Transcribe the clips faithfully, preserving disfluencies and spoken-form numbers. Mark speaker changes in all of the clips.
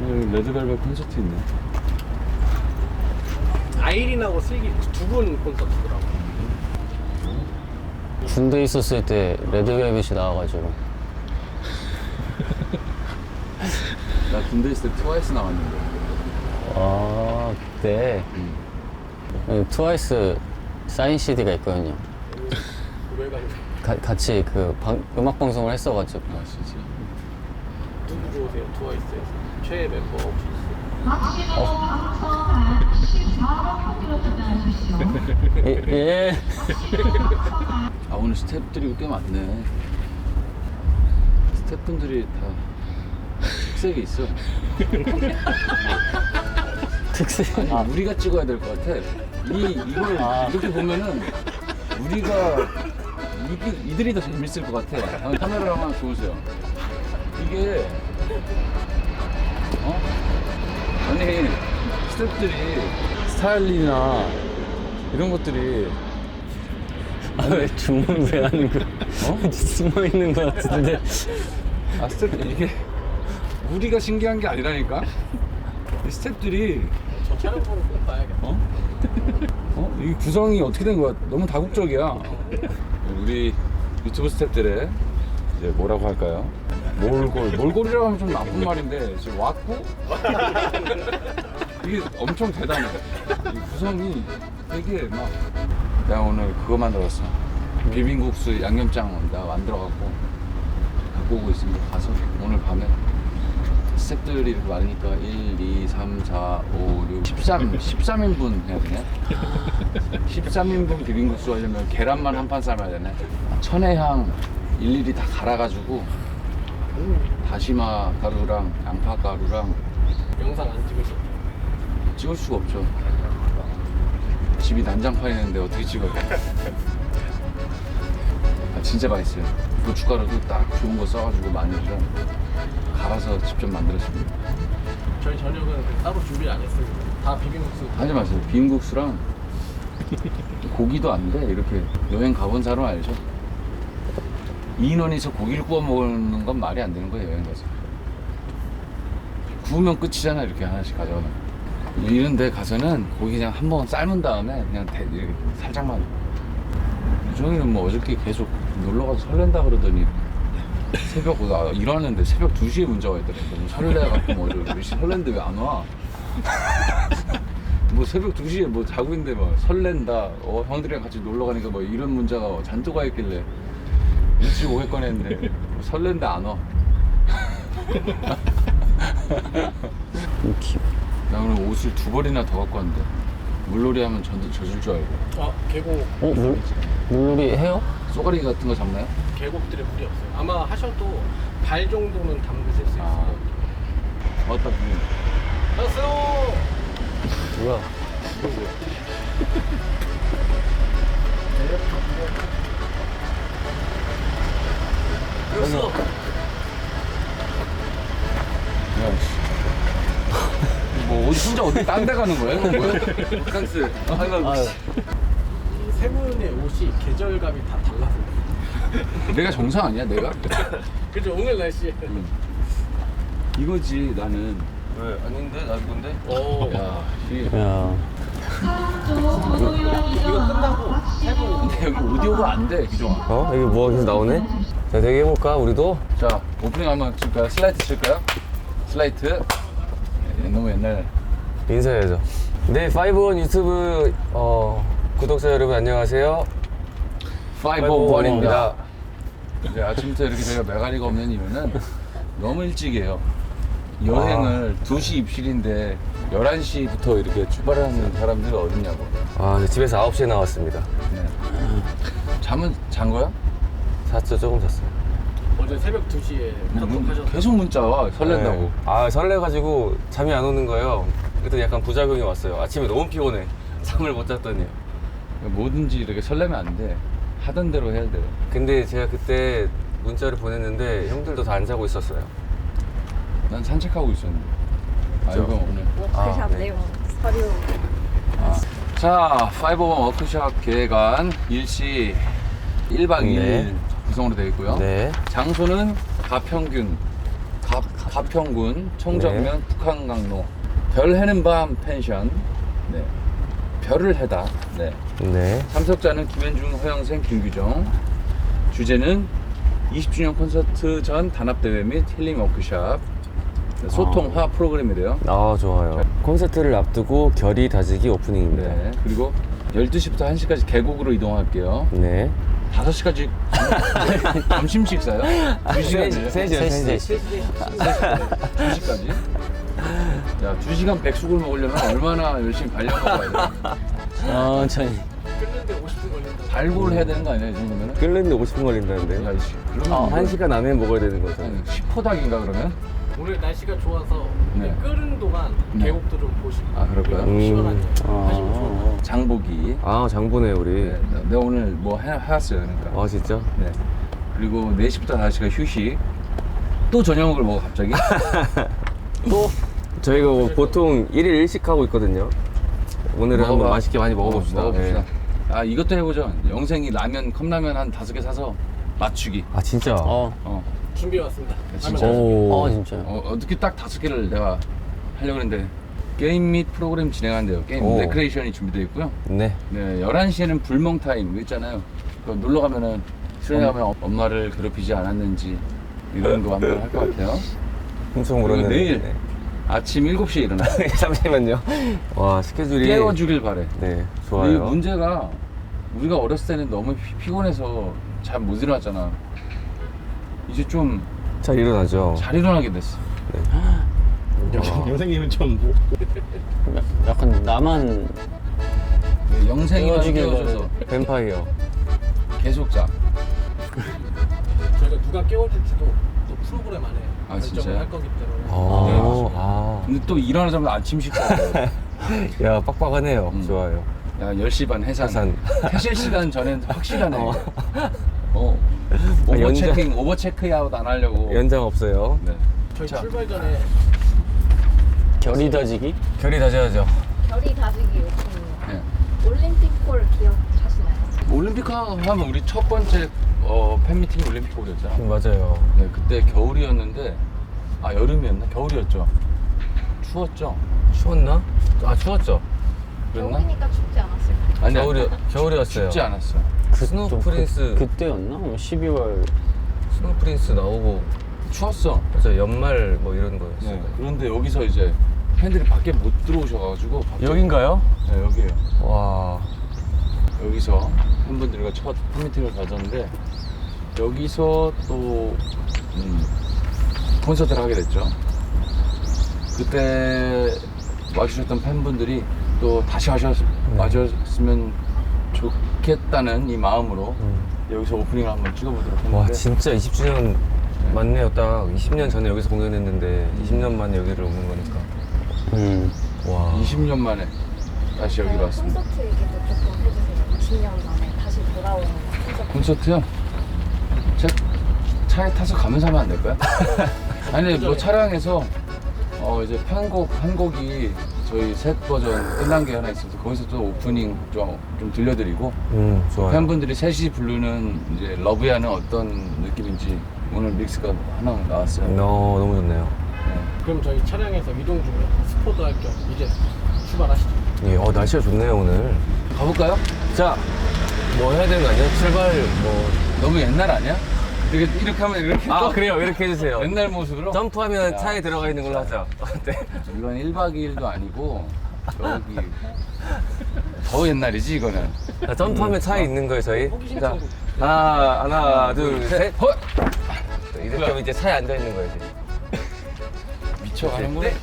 Speaker 1: 오늘 레드벨벳 콘서트 있네.
Speaker 2: 아이린하고 슬기 두 분 콘서트더라고.
Speaker 3: 군대 있었을 때 레드벨벳이 나와가지고.
Speaker 1: 나 군대 있을 때 트와이스 나왔는데.
Speaker 3: 아, 그때 음. 트와이스 사인 씨디가 있거든요.
Speaker 2: 왜 가요?
Speaker 3: 가, 같이 그 방, 음악 방송을 했어가지고.
Speaker 1: 아 진짜.
Speaker 2: 누구 좋으세요? 트와이스에서 최애 멤버 혹시 있어요?
Speaker 3: 예, 예.
Speaker 1: 아 오늘 스태프들이 꽤 많네. 스태프분들이 다 특색이 있어.
Speaker 3: 특색.
Speaker 1: 아니
Speaker 3: 아,
Speaker 1: 우리가 찍어야 될 것 같아. 이 이걸
Speaker 3: 아.
Speaker 1: 이렇게 보면은 우리가 이, 이들이 더 재밌을 것 같아. 아, 카메라만 보세요. 이게 어? 아니 스태프들이 스타일링이나 이런 것들이
Speaker 3: 아, 왜 주문 왜 하는 거야? 어? 숨어 있는 거 같은데.
Speaker 1: 아 스태프 이게 우리가 신기한 게 아니라니까. 이 스태프들이
Speaker 2: 저 촬영보는 꼭 봐야겠다.
Speaker 1: 어? 어? 이 구성이 어떻게 된 거야? 너무 다국적이야. 우리 유튜브 스태프들의 이제 뭐라고 할까요? 몰골. 몰골이라고 하면 좀 나쁜 말인데 지금 왔고 이게 엄청 대단해. 이 구성이 되게 막 내가 오늘 그거 만들었어. 비빔국수 양념장 내가 만들어갖고 갖고 오고 있습니다. 가서 오늘 밤에 스태프들이 이렇게 많으니까 일, 이, 삼, 사, 오, 육, 십삼, 십삼 인분 해야 되네. 십삼 인분 비빔국수 하려면 계란만 한 판 삶아야 되네. 천혜향 일일이 다 갈아가지고 다시마 가루랑 양파 가루랑
Speaker 2: 영상 안 찍으셔?
Speaker 1: 찍을 수가 없죠. 집이 난장판이는데 어떻게 찍어요? 아, 진짜 맛있어요. 고춧가루도 딱 좋은 거 써가지고 마늘이랑 갈아서 직접 만들었습니다.
Speaker 2: 저희 저녁은 따로 준비를 안 했습니다. 다 비빔국수.
Speaker 1: 하지 마세요. 비빔국수랑 고기도 안 돼. 이렇게 여행 가본 사람 알죠? 이 인원이서 고기를 구워 먹는 건 말이 안 되는 거예요. 여행 가서 구우면 끝이잖아. 이렇게 하나씩 가져가면. 이런 데 가서는 고기 그냥 한 번 삶은 다음에 그냥 대, 이렇게 살짝만. 유정이는 뭐 어저께 계속 놀러가서 설렌다 그러더니 새벽, 아, 일하는데 새벽 두 시에 문자가 있더라고. 뭐 설레갖고 뭐 몇 시 설렌데 왜 안 와? 뭐 새벽 두 시에 뭐 자고 있는데 막 설렌다. 어, 형들이랑 같이 놀러 가니까 뭐 이런 문자가 잔뜩 와 있길래 일찍 오겠건 했는데 뭐 설렌다 안 와. 나 오늘 옷을 두 벌이나 더 갖고 왔는데 물놀이 하면 전도 젖을 줄 알고.
Speaker 2: 아 계곡.
Speaker 3: 어, 물, 물놀이 해요?
Speaker 1: 쏘가리 같은 거 잡나요?
Speaker 2: 계곡들에 물이 없어요. 아마 하셔도 발 정도는 담그실 수 있어요.
Speaker 1: 아. 왔다 보니.
Speaker 2: 안녕하세요.
Speaker 3: 뭐야?
Speaker 2: 그렇어.
Speaker 1: 야, 씨. 뭐 어디 혼자 어디 딴 데 가는 거야? 이건 뭐야? 바캉스. 아이고.
Speaker 3: 아유.
Speaker 2: 세 분의 옷이 계절감이 다 달라서.
Speaker 1: 내가 정상 아니야, 내가?
Speaker 2: 그죠 오늘 날씨.
Speaker 1: 응. 이거지 나는.
Speaker 4: 왜? 아닌데? 나 이건데?
Speaker 2: 오.
Speaker 1: 야, 이
Speaker 3: 야.
Speaker 2: 이거 끝나고 세 분.
Speaker 1: 근데 여기 오디오가 안 돼, 기종아.
Speaker 3: 어? 여기 뭐가 계속 나오네? 자, 되게 해볼까, 우리도?
Speaker 1: 자, 오프닝 한번 칠까요? 슬라이트 칠까요? 슬라이트. 네, 너무 옛날.
Speaker 3: 인사해야죠. 네, 파이브원 유튜브 어, 구독자 여러분 안녕하세요.
Speaker 1: 파이브원입니다. 이제 아침부터 이렇게 저희가 메가리가 없는 이유는 너무 일찍이에요. 여행을 두 시 입실인데 열한 시부터 이렇게 출발하는 사람들이 어딨냐고.
Speaker 3: 아, 네, 집에서 아홉 시에 나왔습니다.
Speaker 1: 네. 잠은 잔 거야?
Speaker 3: 잤죠, 조금 잤어요.
Speaker 2: 어제 새벽 두 시에 카톡하셨어요.
Speaker 1: 계속 문자 와, 설렌다고.
Speaker 3: 네. 아, 설레가지고 잠이 안 오는 거예요. 그랬더니 약간 부작용이 왔어요. 아침에 너무 피곤해. 잠을 못 잤더니.
Speaker 1: 뭐든지 이렇게 설레면 안 돼. 하던 대로 해야 돼.
Speaker 3: 근데 제가 그때 문자를 보냈는데 형들도 다 안 자고 있었어요.
Speaker 1: 난 산책하고 있었는데. 아, 이거 오늘.
Speaker 5: 워크샵
Speaker 3: 아, 네.
Speaker 5: 내용 서류
Speaker 1: 아. 자, 파이브원 워크샵 계획안 일시 일 박 이 일
Speaker 3: 네.
Speaker 1: 구성으로 되어 있고요.
Speaker 3: 네.
Speaker 1: 장소는 가평균. 가, 가평군 청정면 북한강로 별 해는 밤 펜션. 네. 별을 해다. 네.
Speaker 3: 네.
Speaker 1: 참석자는 김현중, 허영생, 김규정. 주제는 이십 주년 콘서트 전 단합대회 및 힐링 워크샵. 네, 소통화 프로그램이래요.
Speaker 3: 아, 좋아요. 콘서트를 앞두고 결의 다지기 오프닝입니다.
Speaker 1: 네. 그리고 열두 시부터 한 시까지 계곡으로 이동할게요.
Speaker 3: 네.
Speaker 1: 다섯 시까지 점심 식사요? 두 시간이요?
Speaker 3: 세 시요, 세 시.
Speaker 1: 두 시까지? 야, 두 시간 백숙을 먹으려면 얼마나 열심히 발려먹어야 돼?
Speaker 5: 천천히.
Speaker 2: 끓는데 오십 분 걸린다.
Speaker 1: 발골을 해야 되는 거 아니야, 이 정도면은?
Speaker 3: 끓는데 오십 분 걸린다는데.
Speaker 1: 야, 이씨. 그러면
Speaker 3: 아,
Speaker 1: 이거
Speaker 3: 한 시간 안에 먹어야 되는 거죠.
Speaker 1: 한 십 호닥인가 그러면?
Speaker 2: 오늘 날씨가 좋아서
Speaker 1: 네.
Speaker 2: 끓는 동안
Speaker 1: 네.
Speaker 2: 계곡도 좀 보시고.
Speaker 1: 아, 그럴까요?
Speaker 3: 음.
Speaker 2: 시원하게
Speaker 5: 아.
Speaker 2: 하시면 좋을 것 같아요.
Speaker 1: 장보기.
Speaker 3: 아, 장보네, 우리.
Speaker 1: 네, 내가 오늘 뭐 해, 해왔어요, 그러니까.
Speaker 3: 아, 진짜?
Speaker 1: 네. 그리고 네 시부터 다섯 시가 휴식. 또 저녁을 먹어, 갑자기?
Speaker 3: 또? 저희가 뭐 보통 일 일 일 식 하고 있거든요. 오늘은
Speaker 1: 먹어봐.
Speaker 3: 한번 맛있게 많이 먹어봅시다.
Speaker 1: 어, 먹어봅시다.
Speaker 3: 네.
Speaker 1: 아, 이것도 해보죠. 영생이 라면, 컵라면 한 다섯 개 사서 맞추기.
Speaker 3: 아, 진짜?
Speaker 5: 어.
Speaker 1: 어.
Speaker 2: 준비해왔습니다.
Speaker 1: 진짜?
Speaker 2: 하면
Speaker 3: 오.
Speaker 5: 어, 진짜요?
Speaker 1: 어, 어떻게 딱 다섯 개를 내가 하려고 했는데 게임 및 프로그램 진행한대요. 게임
Speaker 3: 오.
Speaker 1: 레크레이션이 준비되어 있고요.
Speaker 3: 네.
Speaker 1: 네, 열한 시에는 불멍 타임 이거 있잖아요. 그거 놀러 가면은 수련회 가면 엄마를 괴롭히지 않았는지 이런 거 한번 할 것 같아요.
Speaker 3: 엄청
Speaker 1: 그리고
Speaker 3: 물었는데.
Speaker 1: 내일
Speaker 3: 네.
Speaker 1: 아침 일곱 시에 일어나.
Speaker 3: 잠시만요. 와, 스케줄이.
Speaker 1: 깨워주길 바래.
Speaker 3: 네,
Speaker 1: 근데
Speaker 3: 좋아요.
Speaker 1: 이 문제가 우리가 어렸을 때는 너무 피, 피곤해서 잘 못 일어났잖아. 이제 좀 잘
Speaker 3: 잘 일어나죠.
Speaker 1: 일어나게 됐어.
Speaker 2: 영- 영생님은 좀
Speaker 5: 약간 나만
Speaker 1: 네, 영생이만
Speaker 5: 깨워주길
Speaker 1: 깨워줘서
Speaker 3: 뱀파이어.
Speaker 1: 계속 자.
Speaker 2: 저희가 누가 깨워줄지도 또 프로그램 안에
Speaker 1: 아,
Speaker 2: 결정을
Speaker 1: 진짜요?
Speaker 2: 할 거기 때문에.
Speaker 3: 아,
Speaker 1: 네, 맞습니다.
Speaker 3: 아.
Speaker 1: 근데 또 일어나자마자 아침 식사.
Speaker 3: 야, 빡빡하네요.
Speaker 1: 음.
Speaker 3: 좋아요.
Speaker 1: 야, 열 시 반 해산.
Speaker 3: 해산.
Speaker 1: 퇴실 시간 전엔 확실하네.
Speaker 3: 어.
Speaker 1: 어.
Speaker 3: 아,
Speaker 1: 오버
Speaker 3: 연장-
Speaker 1: 체킹, 오버 체크아웃 안 하려고.
Speaker 3: 연장 없어요.
Speaker 1: 네.
Speaker 2: 저희
Speaker 1: 자.
Speaker 2: 출발 전에
Speaker 5: 결이 다지기?
Speaker 3: 결의 다져야죠.
Speaker 6: 결이 다지기 오픈이요.
Speaker 1: 네.
Speaker 6: 올림픽홀 기억하시나요?
Speaker 1: 올림픽 하면 우리 첫 번째 어, 팬미팅이 올림픽 홀이었잖아.
Speaker 3: 맞아요.
Speaker 1: 네, 그때 겨울이었는데, 아, 여름이었나? 겨울이었죠. 추웠죠?
Speaker 3: 추웠나? 아, 추웠죠.
Speaker 1: 그랬나?
Speaker 6: 겨울이니까 춥지 않았을까요?
Speaker 1: 아니야.
Speaker 3: 겨울이, 겨울이었어요.
Speaker 1: 춥지 않았어.
Speaker 3: 스노우
Speaker 5: 좀
Speaker 3: 프린스,
Speaker 5: 그, 그때였나? 뭐 십이월.
Speaker 3: 스노우 프린스 나오고,
Speaker 1: 추웠어.
Speaker 3: 맞아, 연말 뭐 이런 거였어요.
Speaker 1: 네. 그런데 여기서 이제 팬들이 밖에 못 들어오셔가지고. 갑자기-
Speaker 3: 여긴가요?
Speaker 1: 네, 여기에요.
Speaker 3: 와.
Speaker 1: 여기서 팬분들과 첫 팬미팅을 가졌는데 여기서 또 음, 콘서트를 하게 됐죠. 그때 와주셨던 팬분들이 또 다시 와셨,
Speaker 3: 네.
Speaker 1: 와줬으면 좋겠다는 이 마음으로
Speaker 3: 음.
Speaker 1: 여기서 오프닝을 한번 찍어보도록 했는데
Speaker 3: 와, 진짜 이십 주년 맞네요. 딱 이십 년 전에 여기서 공연했는데 이십 년 만에 여기를 오는 거니까.
Speaker 5: 음.
Speaker 3: 와.
Speaker 1: 이십 년 만에 다시 여기로 왔습니다.
Speaker 6: 콘서트 얘기도 조금 해주세요. 이십 년 만에 다시 돌아오는 콘서트.
Speaker 1: 콘서트요? 제 차에 타서 가면서 하면 안 될까요? 아니 뭐 차량에서 어 이제 편곡 한 곡이 저희 셋 버전 끝난 게 하나 있어서 거기서 또 오프닝 좀, 좀 들려드리고
Speaker 3: 음, 좋아요.
Speaker 1: 팬분들이 셋이 부르는 이제 러브야는 어떤 느낌인지 오늘 믹스가 하나 나왔어요.
Speaker 3: 어, 너무 좋네요.
Speaker 1: 네.
Speaker 2: 그럼 저희 차량에서 이동 중에 스포도 할 겸 이제 출발하시죠.
Speaker 3: 예, 어, 날씨가 좋네요, 오늘.
Speaker 1: 가볼까요?
Speaker 3: 자, 뭐 해야 되는 거 아니에요? 출발, 뭐.
Speaker 1: 너무 옛날 아니야? 이렇게 이렇게 하면 이렇게
Speaker 3: 아,
Speaker 1: 또
Speaker 3: 그래요. 이렇게 해주세요.
Speaker 1: 옛날 모습으로
Speaker 3: 점프하면
Speaker 1: 야,
Speaker 3: 차에 들어가 있는 걸로 하죠. 네.
Speaker 1: 이건 일 박 이 일도 아니고 저기 더 옛날이지 이거는.
Speaker 3: 자, 점프하면 차에 있는 거예요, 저희.
Speaker 2: 호기심
Speaker 3: 자,
Speaker 2: 천국.
Speaker 3: 하나, 하나, 둘, 셋.
Speaker 1: 헐!
Speaker 3: 이렇게 하면 이제 차에 앉아 있는 거예요, 이제.
Speaker 1: 미쳐가는구나.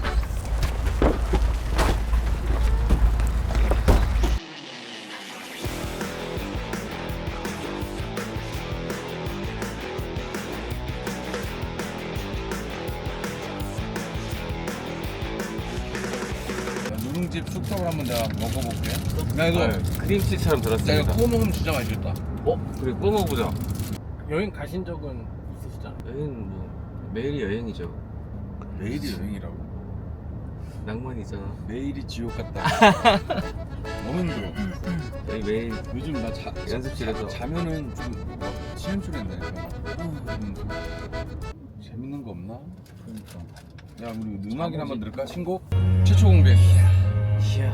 Speaker 1: 누룽집 숙성을 한번 내가 먹어볼게. 나 이거
Speaker 3: 크림치즈처럼
Speaker 1: 내가
Speaker 3: 들었습니다.
Speaker 1: 구워 먹으면 진짜 맛있겠다.
Speaker 3: 어? 그래, 구워 먹어보자.
Speaker 2: 여행 가신 적은 있으시잖아요.
Speaker 3: 여행 뭐, 매일이 여행이죠.
Speaker 1: 매일이 여행이라고.
Speaker 3: 낭만이 있잖아.
Speaker 1: 매일이 지옥 같다. 너무 힘들어.
Speaker 3: 여기 매일
Speaker 1: 요즘 나 자,
Speaker 3: 연습실에서.
Speaker 1: 자, 자면은 좀 막, 치음소리 난다니까. 음, 재밌 재밌는 거 없나? 그러니까. 야 우리 음악이나 한번 들을까? 신곡? 최초 공개.
Speaker 5: 이야.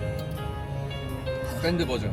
Speaker 1: 밴드 버전.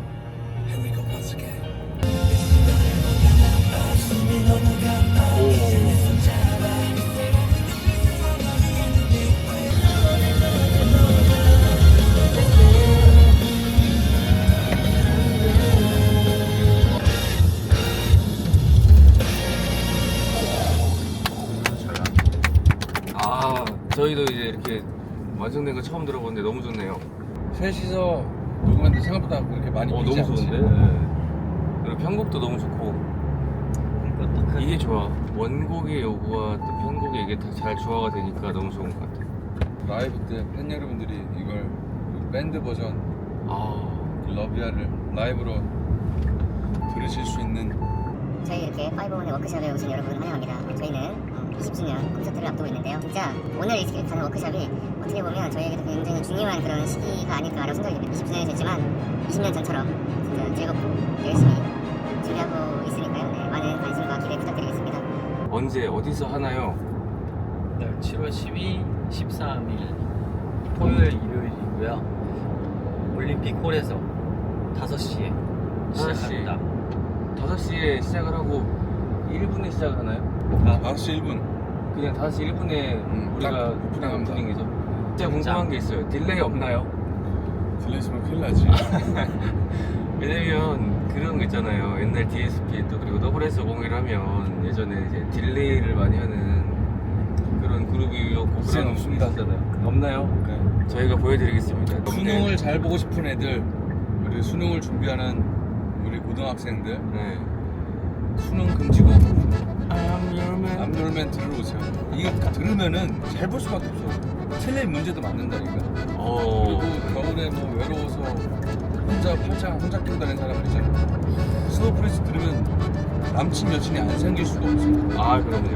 Speaker 3: 아, 저희도 이제 이렇게 완성된 거 처음 들어보는데 너무 좋네요.
Speaker 1: 셋이서 녹음했는데 생각보다 그렇게 많이
Speaker 3: 어,
Speaker 1: 비지
Speaker 3: 너무
Speaker 1: 않지?
Speaker 3: 좋은데? 네. 그리고 편곡도 너무 좋고. 이게 좋아. 원곡의 요구와 또 편곡의 이게 다 잘 조화가 되니까 너무 좋은 것 같아.
Speaker 1: 라이브 때 팬 여러분들이 이걸 그 밴드 버전
Speaker 3: 아,
Speaker 1: 러비아를 라이브로 들으실 수 있는
Speaker 7: 저희 이렇게 파이브원의 워크숍에 오신 여러분 환영합니다. 저희는 이십 주년 콘서트를 앞두고 있는데요. 진짜 오늘 이 가는 워크숍이 어떻게 보면 저희에게도 굉장히 중요한 그런 시기가 아닐까라고 생각이 듭니다. 이십 주년이 됐지만 이십 년 전처럼 진짜 즐겁고 열심히 준비하고 있으니까요. 네, 많은 관심과 기대 부탁드리겠습니다.
Speaker 3: 언제 어디서 하나요?
Speaker 5: 네, 칠월 십이, 십삼 일 토요일, 일요일이고요. 올림픽홀에서 다섯 시에
Speaker 3: 다섯 시.
Speaker 5: 시작합니다.
Speaker 3: 다섯 시에 시작을 하고 일 분에 시작을 하나요?
Speaker 1: 다섯 시 일 분
Speaker 3: 그냥 다섯 시 일 분에
Speaker 1: 음,
Speaker 3: 우리가
Speaker 1: 딱 오프닝합니다.
Speaker 3: 오프닝이죠. 진짜 궁금한 게 있어요. 딜레이 없나요?
Speaker 1: 들려있으면 큰일 나지.
Speaker 3: 왜냐면 그런 거 있잖아요. 옛날 디에스피 또 그리고 더블에스 오백일 하면 예전에 이제 딜레이를 많이 하는 그런 그룹이었고
Speaker 1: 이제는
Speaker 3: 그런
Speaker 1: 없습니다.
Speaker 3: 있었잖아요. 없나요?
Speaker 1: 네.
Speaker 3: 저희가 보여드리겠습니다.
Speaker 1: 수능을 잘 보고 싶은 애들, 우리 수능을 준비하는 우리 고등학생들,
Speaker 3: 네.
Speaker 1: 수능 금지고
Speaker 3: I'm your man.
Speaker 1: 암돌맨 들어오세요. 이거 들으면은 잘 볼 수밖에 없어. 틀릴 문제도 맞는다니까.
Speaker 3: 어.
Speaker 1: 그리고 겨울에 뭐 외로워서 혼자 팔짱 혼자 끼고 다니는 사람들 있잖아. 스노우 프리스 들으면 남친 여친이 안 생길 수가 없어.
Speaker 3: 아 그럼요.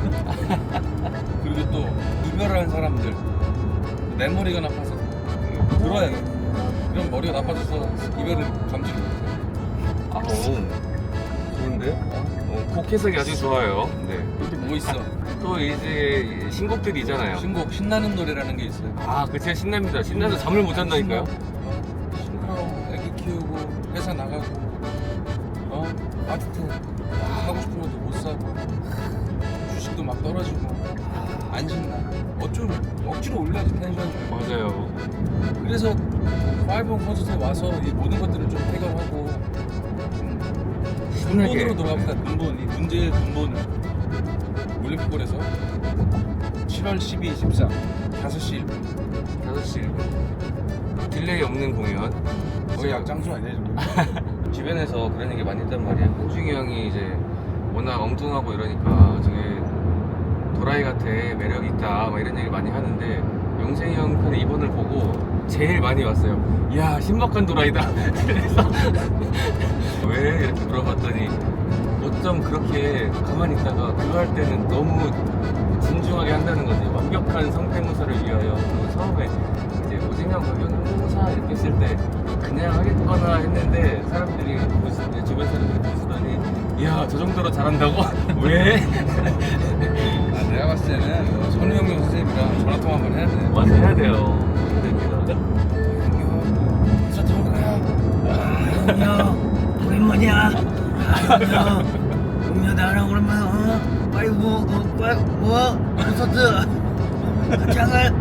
Speaker 1: 그리고 또 이별하는 사람들 내 머리가 나빠서 들어야 돼. 그럼 머리가 나빠져서 이별을 감지를 못해.
Speaker 3: 아, 오. 좋은데? 어, 곡 해석이 아주 좋아요. 네.
Speaker 1: 또 뭐 있어?
Speaker 3: 또 이제 신곡들이 있잖아요.
Speaker 1: 신곡 신나는 노래라는 게 있어요.
Speaker 3: 아, 그 진짜 신납니다. 신나서 잠을 못 잔다니까요.
Speaker 1: 신나고 애기 키우고 회사 나가고 어 아파트 하고 싶은 것도 못 사고 주식도 막 떨어지고 안 신나. 어쩌면 억지로 올려야지 텐션을.
Speaker 3: 맞아요.
Speaker 1: 그래서 파이브원 콘서트에 와서 이 모든 것들을 좀 해결하고 좀
Speaker 3: 신나게.
Speaker 1: 근본으로 돌아갑시다. 근본, 이 문제의 근본을. 올림픽홀에서 칠월 십이, 십삼 다섯 시 일 분
Speaker 3: 다섯 시 일 분. 딜레이 없는 공연.
Speaker 1: 거의 약장수 아니야 지금?
Speaker 3: 주변에서 그런 얘기 많이 했단 말이에요. 홍중이 형이 이제 워낙 엉뚱하고 이러니까 저게 도라이 같아, 매력 있다, 막 이런 얘기 많이 하는데 용생이 형 편의 이번을 보고 제일 많이 왔어요. 이야, 신박한 도라이다. 그래서 왜 이렇게 물어봤더니 어쩜 그렇게 가만히 있다가 그거 할 때는 너무 진중하게 한다는 거지. 완벽한 성대모사를 위하여. 그리고 처음에 이제 오진영 경영사 이렇게 했을 때 그냥 하겠거나 했는데 사람들이 보시, 이제 주변 사람들이 보시더니 이야, 저 정도로 잘한다고? 왜?
Speaker 1: 아, 내가 봤을 때는 선우영경 선생님이랑 전화통화 한번 해야 돼.
Speaker 3: 맞아, 해야 돼요. 해야 됩니다.
Speaker 1: 콘서트 오는 거야.
Speaker 8: 안녕 오랜만이야 안녕 음료 나랑 오랜만에 어? 빨리 뭐, 어, 빨리 뭐 콘서트 같이 안 갈?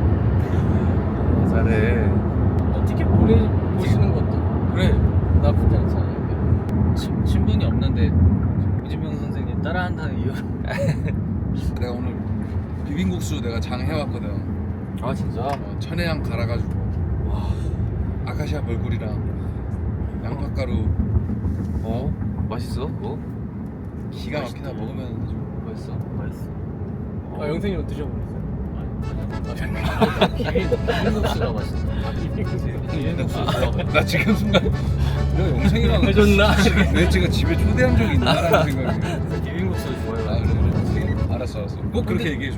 Speaker 3: 잘해.
Speaker 2: 어떻게 보내보시는 것도
Speaker 1: 그래.
Speaker 2: 나쁘지 않잖아요.
Speaker 5: 친, 친분이 없는데 우지명 선생님 따라한다는 이유로
Speaker 1: 내가 오늘 비빔국수 내가 장 해왔거든.
Speaker 3: 아, 진짜?
Speaker 1: 어, 천혜향 갈아가지고
Speaker 3: 와,
Speaker 1: 아카시아 벌꿀이랑 양파가루
Speaker 3: 어? 맛있어? 그거?
Speaker 1: 기가 막히다. 먹으면 아주
Speaker 3: 맛있어?
Speaker 5: 맛있어.
Speaker 2: 아, 영생이는 드셔보셨어요?
Speaker 5: 비빔국수가 맛있어.
Speaker 1: 비빔국수. 나 지금 순간 내가 영생이랑
Speaker 3: 해줬나?
Speaker 1: 내 지금 집에 초대한 적이 있나라는 생각이.
Speaker 3: 비빔국수 좋아요.
Speaker 1: 아 그래. 알았어 알았어. 꼭 그렇게 얘기해줘.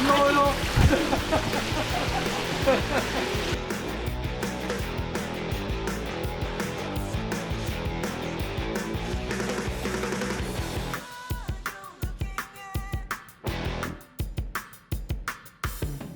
Speaker 1: 안 나와요.